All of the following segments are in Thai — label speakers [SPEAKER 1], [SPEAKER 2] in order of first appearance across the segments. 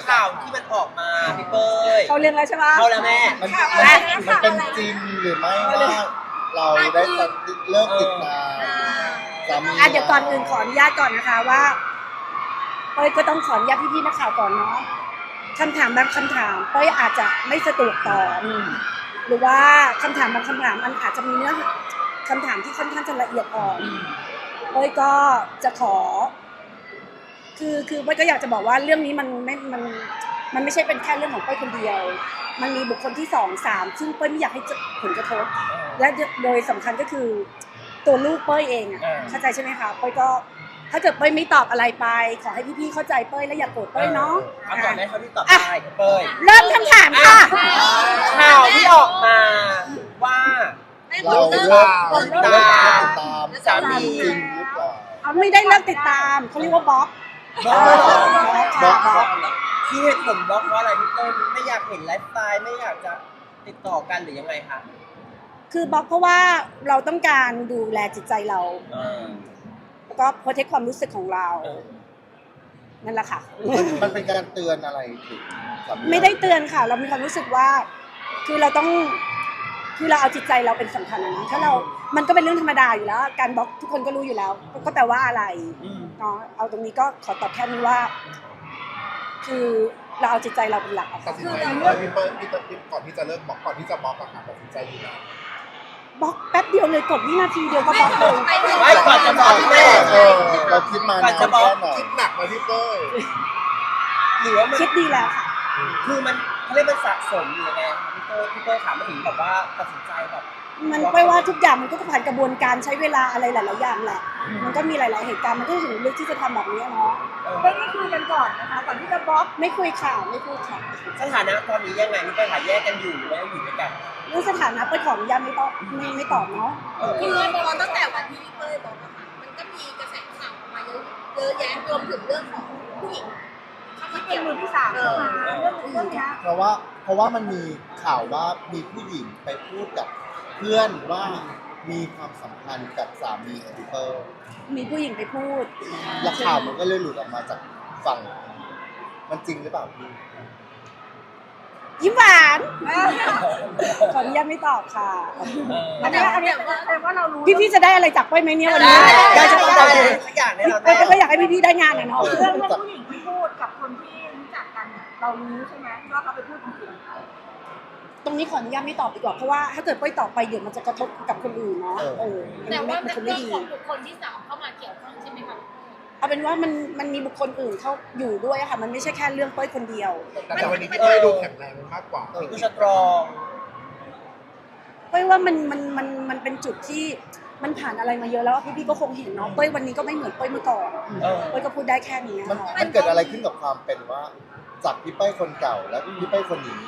[SPEAKER 1] ข่าวที่มันออกมาพี่เป้ย
[SPEAKER 2] เขาเรียนแล้วใช่ไหม
[SPEAKER 1] เข้าแล้วแม่
[SPEAKER 3] มันเป็นจริงหรือไม่ว่าเราได้เลิกติดตามสามี
[SPEAKER 2] เดี๋ยวก่อนอื่นขออนุญาตก่อนนะคะว่าเป้ยก็ต้องขออนุญาตพี่ๆนักข่าวก่อนเนาะคำถามบางคำถามเป้ยอาจจะไม่สะดวกตอบหรือว่าคำถามบางคำถามมันอาจจะมีเนื้อคำถามที่ค่อนข้างจะละเอียดอ่อนเป้ยก็จะขอคือเป้ยก็อยากจะบอกว่าเรื่องนี้มันไม่ใช่เป็นแค่เรื่องของเป้ยคนเดียวมันมีบุคคลที่2 3ซึ่งเป้ยไม่อยากให้ผลกระทบและโดยสำคัญก็คือตัวลูกเป้ยเองเข้าใจใช่ไหมคะเป้ยก็ถ้าเกิดเป้ยไม่ตอบอะไรไปขอให้พี่ๆเข้าใจเป้ยและอย่าโกรธเป้ยเนาะ
[SPEAKER 1] คำตอบได้เท่าที่ตอบได้พี่เป้ย
[SPEAKER 2] เริ่มคำถามค่ะ
[SPEAKER 1] ข่าวที่ออกมาว่า
[SPEAKER 3] เราเลิกติดตามสามีจริงหรือเปล่า
[SPEAKER 2] ไม่ได้เลิกติดตามเขาเรียกว่าบล็อก
[SPEAKER 1] บล็อก
[SPEAKER 3] บล็อก
[SPEAKER 1] ที่เหตุผลบล็อกเพราะอะไรพี่เป้ยไม่อยากเห็นไลฟ์สไตล์ไม่อยากจะติดต่อกันหรือยังไงคะ
[SPEAKER 2] คือบล็อกเพราะว่าเราต้องการดูแลจิตใจเราแล้วก็โปรเทคความรู้สึกของเรานั่นแหละค่ะ
[SPEAKER 3] มันเป็นการเตือนอะไรถึงสามี
[SPEAKER 2] ไม่ได้เตือนค่ะ เรามีความรู้สึกว่าคือเราต้องคือเราเอาจิตใจเราเป็นสำคัญนะถ้าเรามันก็เป็นเรื่องธรรมดาอยู่แล้วการบล็อกทุกคนก็รู้อยู่แล้วก็แปลว่าอะไรเนาะเอาตรงนี้ก็ขอตอบแค่นี้ว่า คือเราเอาจิตใจเราเป็นหลักอะ
[SPEAKER 4] ตั
[SPEAKER 2] ค่ะ
[SPEAKER 4] ดสินใจยังไงพี่เปิ้ลก่อนที่จะเลิกบล็อกก่อนที่จะบล็อกอะค่ะตัดสินใจอยู่แล้ว
[SPEAKER 2] บล็อกแป๊บเดียวเลยกดวินาทีเดียวก็บล็อกเลย
[SPEAKER 1] ไม่ก่อนจะบล็อกพี่เป้ย
[SPEAKER 3] เราคิดมานานแค่ไหน
[SPEAKER 4] คิดหนักไหมพี่เปิ้ล
[SPEAKER 1] หรือว่ามัน
[SPEAKER 2] คิดดีแล้วค่ะ
[SPEAKER 1] คือมันเขาเรียกมันสะสมอยู่ยังไงพี่เป้ยถามมาถึงแบบว่าตัดสินใจแบบ
[SPEAKER 2] มันไม่ว่าทุกอย่างมันก็ผ่านกระบวนการใช้เวลาอะไรหลายๆอย่างแหละ มันก็มีหลายๆเหตุการณ์มันก็ถึงเลือกที่จะทำแบบนี้เนาะไม่คุยกันก่อนนะคะก่อนที่จะบล็อกไม่คุยข่าวไม่คุยข่าว
[SPEAKER 1] สถานะตอนนี้ยังไงพี่เป้ยหาแยกกันอยู่หรือว่าอยู่ด้วยกัน
[SPEAKER 2] เรื่องสถานะไปขออนุญาตไม่ตอบไม่ตอบเนาะ
[SPEAKER 5] คือพอตั้งแต่วันที่พี่เป้ยบอกอะค่ะมันก็มีกระแสข่าวออกมาเยอะแยะรวมถึงเรื่องของผู้หญิงเข้ามาเกี่ยวมือที่สามเข้ามาเรื่องนี้
[SPEAKER 3] เพราะว่ามันมีข่าวว่ามีผู้หญิงไปพูดกับเพื่อนว่ามีความสัมพันธ์กับสามีของพี่เปิ้ล
[SPEAKER 2] มีผู้หญิงไปพูด
[SPEAKER 3] แล้วข่าวมันก็เลยหลุดออกมาจากฝั่งมันจริงหรือเปล่าพี่
[SPEAKER 2] ยิ้มหวานขออนุญาตไม่ตอบค่ะ
[SPEAKER 5] อันนี้แต่ว่าเรารู้
[SPEAKER 2] พี่ๆจะได้อะไรจากเป้ยไหมเนี่ยวันนี้
[SPEAKER 1] ได้จะต้องได้สักอย่างแน่นอน
[SPEAKER 2] เป้ยก็อยากให้พี่ๆได้งานอะเนาะ
[SPEAKER 6] เรื่องผู้หญิงที่พูดกับคนที่รู้จักกันเนี่ยเรารู้ใช่ไหมว่าเขาไปพูดจริง
[SPEAKER 2] ตรงนี้ขออนุญาตไม่ตอบดีกว่าเพราะว่าถ้าเกิดเป้ยตอบไปเดี๋ยวมันจะกระทบกับคนอื่นเนาะ
[SPEAKER 5] แต่ว่า
[SPEAKER 2] มัน
[SPEAKER 5] เป็น
[SPEAKER 2] คนไม่
[SPEAKER 5] เรื่อง
[SPEAKER 2] ดี
[SPEAKER 5] ของบุคคลที่สามเข้ามาเกี่ยวข้องใช่ไหมคะ
[SPEAKER 2] เอาเป็นว่ามันมีบุคคลอื่นเขาอยู่ด้วยอะค่ะ มันไม่ใช่แค่เรื่องเป้ยคนเดียว
[SPEAKER 4] แต่วันนี้พี่เปิ้ลดูแข็งแรงมากกว่า
[SPEAKER 1] คือสตรอง
[SPEAKER 2] เป้ยว่ามันเป็นจุดที่มันผ่านอะไรมาเยอะแล้วอะพี่ๆก็คงเห็นเนาะเป้ยวันนี้ก็ไม่เหมือนเป้ยเมื่อก่อนเป้ยก็พูดได้แค่นี้
[SPEAKER 3] มัน
[SPEAKER 2] ค่ะ
[SPEAKER 3] มันเกิดอะไรขึ้นกับความเป็นว่าจากพี่เป้ลคนเก่าและพี่เป้ลคนนี้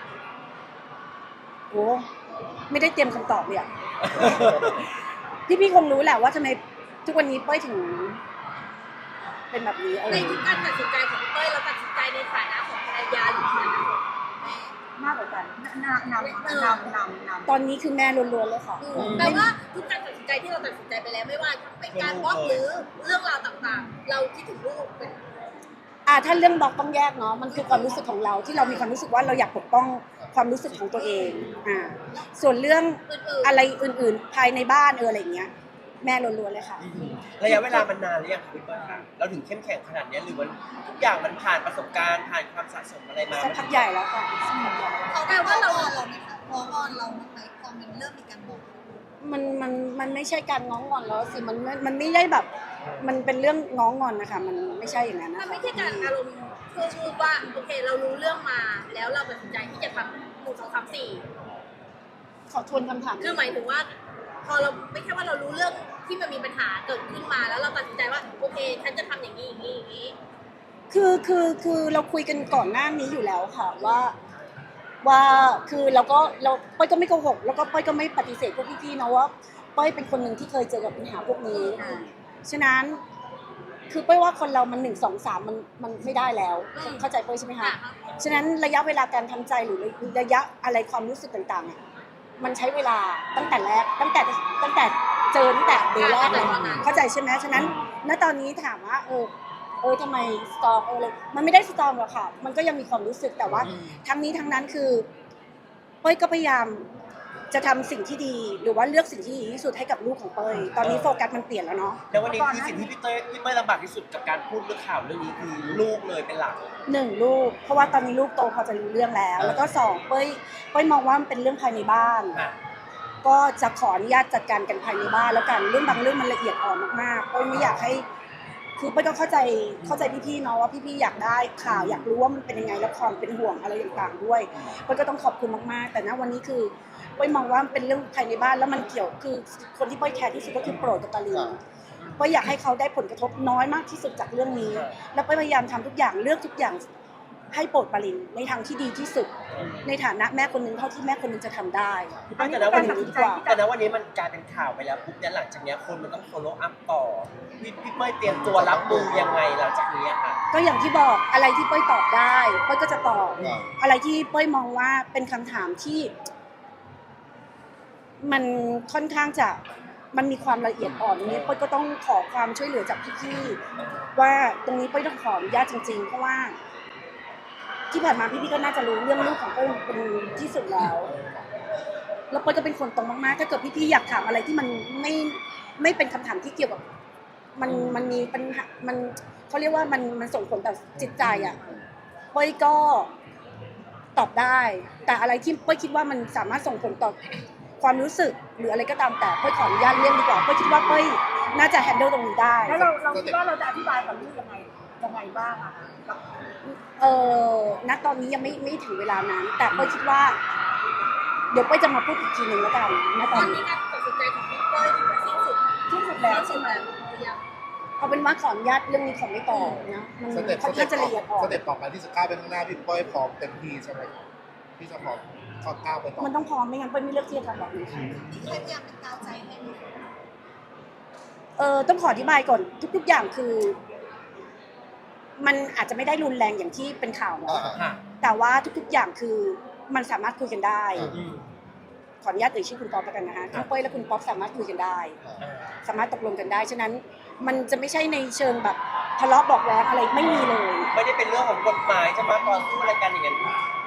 [SPEAKER 2] โอ้ไม่ได้เตรียมคำตอบเลยอะ พี่ๆคงรู้แหละว่าทำไมทุกวันนี้เป้ยถึง เป็นแบบนี้
[SPEAKER 5] ในทุกการตัดสินใจของพี่เป้ยเราตัดสินใจในฐานะของภรรยาหรือฐานะของแม่
[SPEAKER 6] ๆมากกว่ากันนำ
[SPEAKER 2] ตอนนี้คือแม่ล้วนๆเลยค่ะ
[SPEAKER 5] แปลว่าทุกการตัดสินใจที่เราตัดสินใจไปแล้วไม่ว่าเป็นการบล็อกหรือเรื่องราวต่างๆ เราคิดถึงลูกเป็น
[SPEAKER 2] ถ้าเรื่องบล็อกต้องแยกเนาะมันคือความรู้สึกของเราที่เรามีความรู้สึกว่าเราอยากปกป้องความรู้สึกของตัวเองส่วนเรื่องอะไรอื่นๆภายในบ้านอะไรอย่างเงี้ยแม่ล้วนๆเลยค่ะ
[SPEAKER 1] ระยะเวลามันนานหรือยังคะพี่เปิ้ลคะเราถึงเข้มแข็งขนาดนี้หรือว่าทุกอย่างมันผ่านประสบการณ์ผ่านความสะสมอะไรมา
[SPEAKER 2] สักพักใหญ่แล้วค่ะสักพักใหญ่แล้ว
[SPEAKER 5] เขาแปลว่าเราไหมคะพออ่อนเราไหมพอมันเริ่มมีการบอก
[SPEAKER 2] มันไม่ใช่การง้องงอนแล้วสิมันไม่ได้แบบมันเป็นเรื่องง้องงอนนะคะมันไม่ใช่อย่างนั้น
[SPEAKER 5] มั
[SPEAKER 2] นะ
[SPEAKER 5] น
[SPEAKER 2] คะ
[SPEAKER 5] ไม่ใช่การอารมณ์ชั่ววูบว่าโอเคเรารู้เรื่องมาแล้วเราตัดสินใจที่จะทำ1 2 3 4
[SPEAKER 2] ขอทวนคำถาม
[SPEAKER 5] คือหมายถึงว่าพอเราไม่ใช่ว่าเรารู้เรื่องที่มันมีปัญหาเกิดขึ้นมาแล้วเราตัดสินใจว่าโอเคฉันจะทำอย่างนี้อย่างนี้อย่างนี้
[SPEAKER 2] คือเราคุยกันก่อนหน้านี้อยู่แล้วค่ะว่าคือเราป้อยก็ไม่โกหกแล้วก็ป้อยก็ไม่ปฏิเสธพวกพี่ๆนะว่าป้อยเป็นคนหนึ่งที่เคยเจอกับปัญหาพวกนี้ฉะนั้นคือป้อยว่าคนเรามัน1 2 3มันไม่ได้แล้วเข้าใจป้อยใช่ไหมคะฉะนั้นระยะเวลาการทำใจหรือระยะอะไรความรู้สึกต่างๆอ่ะมันใช้เวลาตั้งแต่แรกตั้งแต่เจอตั้งแต่เดย์แรกเลยเข้าใจใช่ไหมฉะนั้นณตอนนี้ถามว่าทำไมสตรองเลยมันไม่ได้สตรองหรอกค่ะมันก็ยังมีความรู้สึกแต่ว่าทั้งนี้ทั้งนั้นคือเป้ยก็พยายามจะทำสิ่งที่ดีหรือว่าเลือกสิ่งที่ดีที่สุดให้กับลูกของเป้ยตอนนี้โฟกัสมันเปลี่ยนแล้วเนาะ
[SPEAKER 1] แล้ววันนี้คือสิ่งที่พี่เต้ยลำบากที่สุดกับการพูดเรื่องข่าวเรื่องนี้คือลูกเลยเป็นหลัก
[SPEAKER 2] 1ลูกเพราะว่าตอนนี้ลูกโตพอจะรู้เรื่องแล้วแล้วก็2เป้ยมองว่ามันเป็นเรื่องภายในบ้านก็จะขออนุญาตจัดการกันภายในบ้านแล้วกันเรื่องบางเรื่องมันละเอียดอ่อนมากๆเป้ยไม่อยากให้คือเป้ยก็เข้าใจพี่ๆเนาะว่าพี่ๆอยากได้ข่าวอยากรู้ว่ามันเป็นยังไงแล้วความเป็นห่วงอะไรต่างๆด้วยเป้ยก็ต้องขอบคุณมากๆแต่ณวันนี้คือเป้ยมองว่ามันเป็นเรื่องภายในบ้านแล้วมันเกี่ยวคือคนที่เป้ยแคร์ที่สุดก็คือโปรดกับตาลินเป้ยอยากให้เขาได้ผลกระทบน้อยมากที่สุดจากเรื่องนี้แล้วเป้ยพยายามทำทุกอย่างเลือกทุกอย่างให้โปรดปรินในทางที่ดีที่สุดในฐานะแม่คนหนึ่งเท่าที่แม่คนหนึ่งจะทำได้
[SPEAKER 1] แต่ณวันนี้มันกลายเป็นข่าวไปแล้วปุ๊บเนี่ยหลังจากนี้คนมันต้อง follow up ต่อพี่เป้ยเตรียมตัวรับมือยังไงหลังจากนี้ค่ะ
[SPEAKER 2] ก็อย่างที่บอกอะไรที่เป้ยตอบได้เป้ยก็จะตอบอะไรที่เป้ยมองว่าเป็นคำถามที่มันค่อนข้างจะมันมีความละเอียดอ่อนนี้เป้ยก็ต้องขอความช่วยเหลือจากพี่ๆว่าตรงนี้เป้ยต้องขออนุญาตจริงๆเพราะว่าที่ผ่านมาพี่ๆก็น่าจะรู้เรื่องลูกของเป้ยเป็นที่สุดแล้วเป้ยก็เป็นคนตรงมากๆถ้าเกิดพี่ๆอยากถามอะไรที่มันไม่เป็นคำถามที่เกี่ยวกับมันมีปัญหามันเขาเรียกว่ามันส่งผลต่อจิตใจอ่ะเป้ยก็ตอบได้แต่อะไรที่เป้ยคิดว่ามันสามารถส่งผลต่อความรู้สึกหรืออะไรก็ตามแต่เป้ยขออนุญาตเลี่ยงดีกว่าเป้ยคิดว่าเป้ยน่าจะ handle ตรงนี้ได้
[SPEAKER 6] แล้วเราคิดว่าเราจะอธิบายกับลูกยังไงบ้างอะ
[SPEAKER 2] ณตอนนี้ยังไม่ถึงเวลานั้นแต่เป้ยคิดว่าเดี๋ยวเป้ยจะมาพูดอีกทีหนึ่งแล้วกันณตอนนี้
[SPEAKER 5] การตัดสินใจของพี่เป้ยถือว่าสิ้นสุด
[SPEAKER 6] แล้วใช่ไหม
[SPEAKER 2] เอาเป็นว่าขออนุญาตเรื่องนี้ขอไม่ต่อนะมันค่อนข้างจะละเอียดอ่อน
[SPEAKER 4] สเต็ปต่อไปที่จะก้าวไปข้างหน้าพี่เป้ยพร้อมเต็มที่ใช่ไหมที่จะพร้อมก้าวไปต่อ
[SPEAKER 2] มันต้องพร้อมไม่งั้นเป้ยไม่เลือกที่จะทำแบบนี้ค่ะ
[SPEAKER 5] พยายามเป็นกาวใจให้
[SPEAKER 2] ต้องขออธิบายก่อนทุกๆอย่างคือมันอาจจะไม่ได้รุนแรงอย่างที่เป็นข่าวเนาะแต่ว่าทุกๆอย่างคือมันสามารถคุยกันได้ขออนุญาตเอ่ยชื่อคุณป๊อปแล้วกันนะคะทั้งเป้ยและคุณป๊อปสามารถคุยกันได้สามารถตกลงกันได้ฉะนั้นมันจะไม่ใช่ในเชิงแบบทะเลาะบอกแว้งอะไรไม่มีเลย
[SPEAKER 1] ไม่ได้เป็นเรื่องของกฎหมายจะมาต่อสู้อะไรกันอย่างนั้น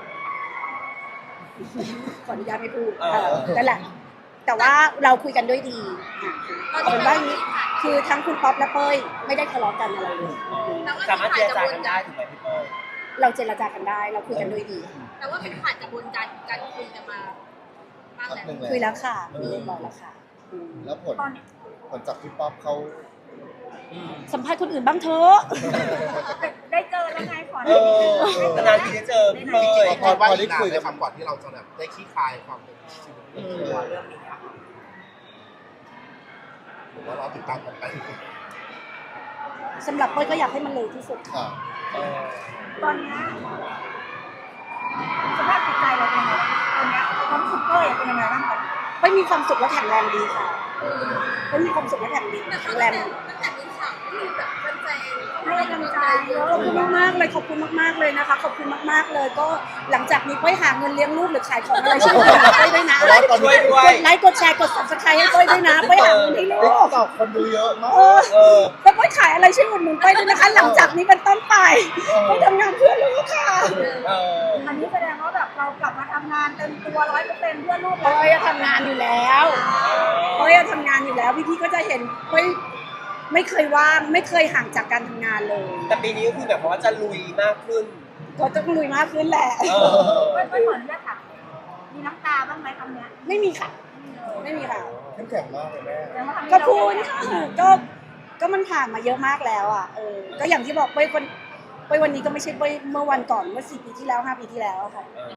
[SPEAKER 2] ขออนุญาตไม่พูดนั่นแหละแต่ว่าเราคุยกันด้วยดีเอาเป็นว่าอย่างนี้คือทั้งคุณป๊อปและเป้ยไม่ได้ทะเลาะกันอะไรเลย
[SPEAKER 1] สามารถเจรจากันได้ถูกไหมพี่เป้ย
[SPEAKER 2] เราเจรจากันได้เราคุยกันด้วยดี
[SPEAKER 5] แต่ว่าเป็นผ่านกระบวนการคุยกันมาบ้างแล้ว
[SPEAKER 2] คุยแล้วค่ะคุยเรียบร้อยแล้วค่ะ
[SPEAKER 3] แล้วผลจากพี่ป๊อปเขา
[SPEAKER 2] สัมภาษณ์คนอื่นบ้างเถอะ
[SPEAKER 6] ได้เจอแล้วไงข
[SPEAKER 1] อนานๆทีได้เจอพี่เป้ย
[SPEAKER 4] พอได้คุยในคำก่อนที่เราจะแบบได้ขี้คายความเป็นชีวิตเรื่องนี้ผมว่าเราติดตามกันไป
[SPEAKER 2] สำหรับเป้ยก็อยากให้มันเร็วที่สุดค่ะ
[SPEAKER 6] ตอนนี้สภาพจิตใจเราเป็นยังไงตอนนี้ความรู้สึกเป้ยเป็นยังไงบ้างคะ
[SPEAKER 2] เป้ยมีความสุขและแข็งแรงดีค่ะเป้ยมีความสุขและแข็งแรง
[SPEAKER 5] ตั้งแต่มีข่าวมีแบบแฟนๆ
[SPEAKER 6] ให้กำลังใจเยอะ
[SPEAKER 2] ขอบคุณมากๆเลยขอบคุณมากๆเลยนะคะขอบคุณมากๆเลยก็หลังจากนี้เป้ยหาเงินเลี้ยงลูกหรือขายของอะไรช่วยเป้ยด้วยนะ
[SPEAKER 1] ช่วยด้วย
[SPEAKER 2] กดไลค์กดแชร์กด Subscribe ให้เป้ยด้วยนะเป้ยหาเงินให้ลูก
[SPEAKER 3] ตอบคนดูเยอะมาก
[SPEAKER 2] แล้วเป้ยขายอะไรช่วยอุดหนุนเป้ยด้วยนะคะหลังจากนี้เป็นต้นไปเป้ยทำงานเพื่อลูกค่ะ
[SPEAKER 6] อันนี้แสดงว่าแบบเรากลับมาทำงานเต็มตัว 100% เพื่อลูก
[SPEAKER 2] เป้ยทำงานอยู่แล้วเป้ยทำงานอยู่แล้วพี่ๆก็จะเห็นเป้ยไม่เคยว่างไม่เคยห่างจากการทำงานเลย
[SPEAKER 1] แต่ปีนี้ก็คือแบบว่าจะลุยมากขึ้น
[SPEAKER 2] ก็ต้องลุยมากขึ้นแหละ
[SPEAKER 6] ไม่เหมือนจะถามมีน้ำตาบ้างไหมคำนี้
[SPEAKER 2] ไม่มีค่ะไม่มีค่ะ
[SPEAKER 3] เข้มแข็งมากเลยแม่
[SPEAKER 2] ก็พูดค่ะก็มันผ่านมาเยอะมากแล้วอ่ะก็อย่างที่บอกเป้ยวันนี้ก็ไม่ใช่เป้ยเมื่อวันก่อนเมื่อ4 ปีที่แล้ว5 ปีที่แล้วค่ะ